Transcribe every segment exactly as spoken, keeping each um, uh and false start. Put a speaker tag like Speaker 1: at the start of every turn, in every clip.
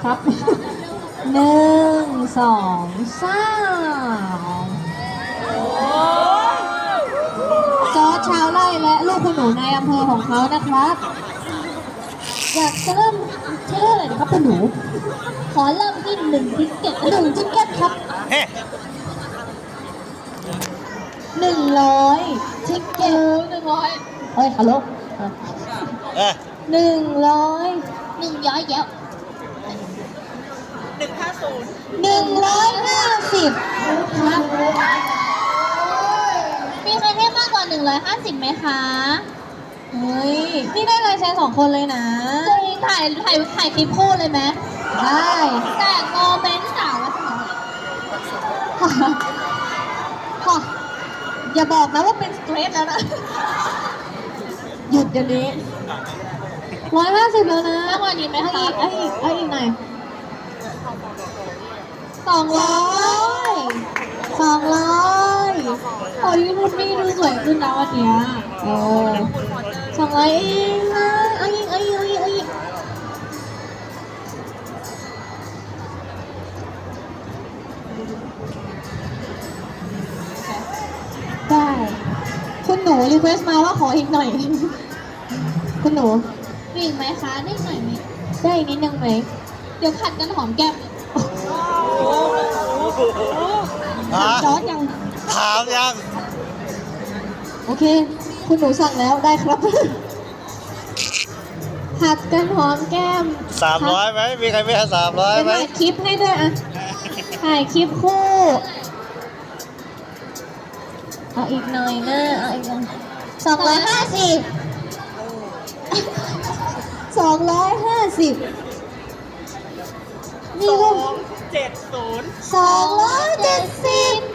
Speaker 1: ครับหนึ่งสองสามจอร์จชาวไร่และลูกคุณหนูในอำเภอของเขานะครับ อยากจะเริ่มเชื่อเลยนะครับคุณหนู ขอเริ่มที่หนึ่งทิกเก็ตหนึ่งทิกเก็ตครับหนึ่งร้อยทิกเก็ตหนึ่งร้อยเฮ้ยฮัลโหลหนึ่งร้อยหนึ่งร้อยแย้ว
Speaker 2: หนึ่งห้าศูนย์
Speaker 1: หนึ่งร้อยห้าสิบครับมีใครให้มากกว่าหนึ่งร้อยห้าสิบไหมคะเฮ้ยนี่ได้ลายเซ็นสองคนเลยนะจริงถ่ายถ่ายถ่ายคลิปคู่เลยไหมได้แต่โมเมนต์สาวค่ะอย่าบอกนะว่าเป็นสเตรทแล้วนะหยุดเดี๋ยวนี้ร้อยห้าสิบแล้วนะมากกว่านี้ไหมคะอีกเอาอีกเอาอีกหน่อยสองร้อยสองร้อยโอ้ยคุณนี่ดูสวยขึ้นนะวันเนี้ยเออสองร้อยเองนะเอาอีกเอาอีกเอาอีกเอาอีกได้คุณหนูรีเควสต์มาว่าขออีกหน่อยคุณหนูมีอีกไหมคะได้หน่อยไหมได้อีกนิดนึงไหมเดี๋ยวผัดกันหอมแก้มจอร์จยัง
Speaker 3: ถามยัง
Speaker 1: โอเคคุณหนูสั่งแล้วได้ครับผัดกันหอมแก้ม
Speaker 3: สามร้อยไหมมีใครไม่ให้สามร้อยไหม
Speaker 1: ถ่ายคลิปให้ด้วยอ่ะถ่ายคลิปคู่เอาอีกหน่อยนะเอาอีกสองร้อยห้าสิบสองร้อยห้าสิบนี่ก็
Speaker 2: เจ็ดศูนย์
Speaker 1: สองร้อยเจ็ดสิบ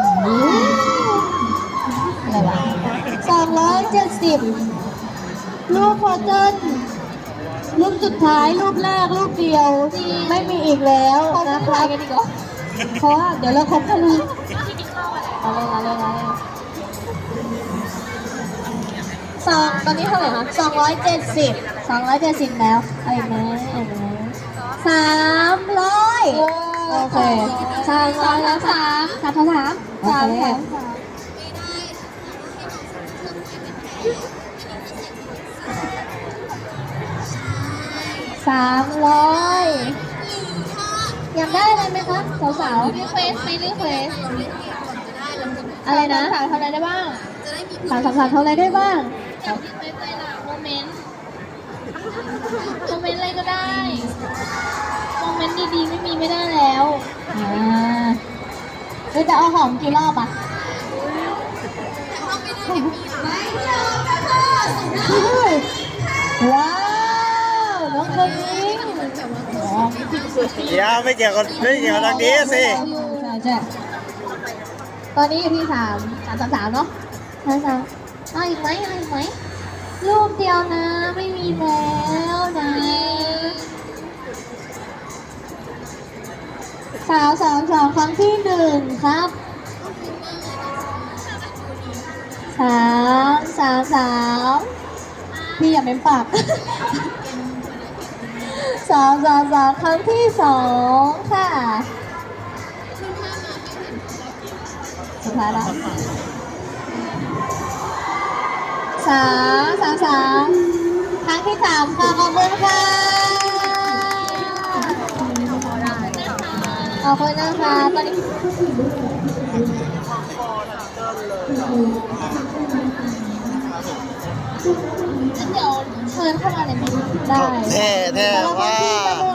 Speaker 1: อะไรวะสองร้อยเจ็ดสิบรูปพอเจนรูปสุดท้ายรูปแรกรูปเดียวไม่มีอีกแล้วนะครับเพราะว่าเดี๋ยวเราคบกันเลยอะไรอะไรอะไรสองตอนนี้เท่าไหร่คะสองร้อยเจ็ดสิบสองร้อยเจ็ดสิบแล้วอะไรนะอะไรนะสามร้อยโอเคสามร้อยแล้วสามสามสามสามสามสามสามร้อยอยากได้อะไรไหมคะสาวๆรีเควสไม่รีเควสอะไรนะสาวทำอะไรได้บ้างสาวสาวทำอะไรได้บ้างอยากรีเควสอะไรล่ะโมเมนต์โมเมนต์อะไรก็ได้โมเมนต์ดีๆไม่มีไม่ได้แล้วอ่าเฮ้ยจะเอาหอมกี่รอบอ่ะว้าวน้องคนนี้
Speaker 3: เดี๋ยวไม่เกี่ยวกับไม่เกี่ยวกับทางนี้สิ
Speaker 1: ใช่ใช่ตอนนี้อยู่ที่สามสามสามสามเนาะสามสามเอาอีกไหมเอาอีกไหมรูปเดียวนะไม่มีแล้วนะสาวสาวสาวครั้งที่หนึ่งครับสามสามสามพี่อย่าเม้มปากสามสามสามครั้งที่สองค่ะสุดท้ายแล้วสามสามสามครั้งที่สามค่ะขอบคุณค่ะขอบคุณนะคะตอนนี้เดี๋ยวเชิญเข้ามาเลยไหมได้
Speaker 3: แท้แท้ว่า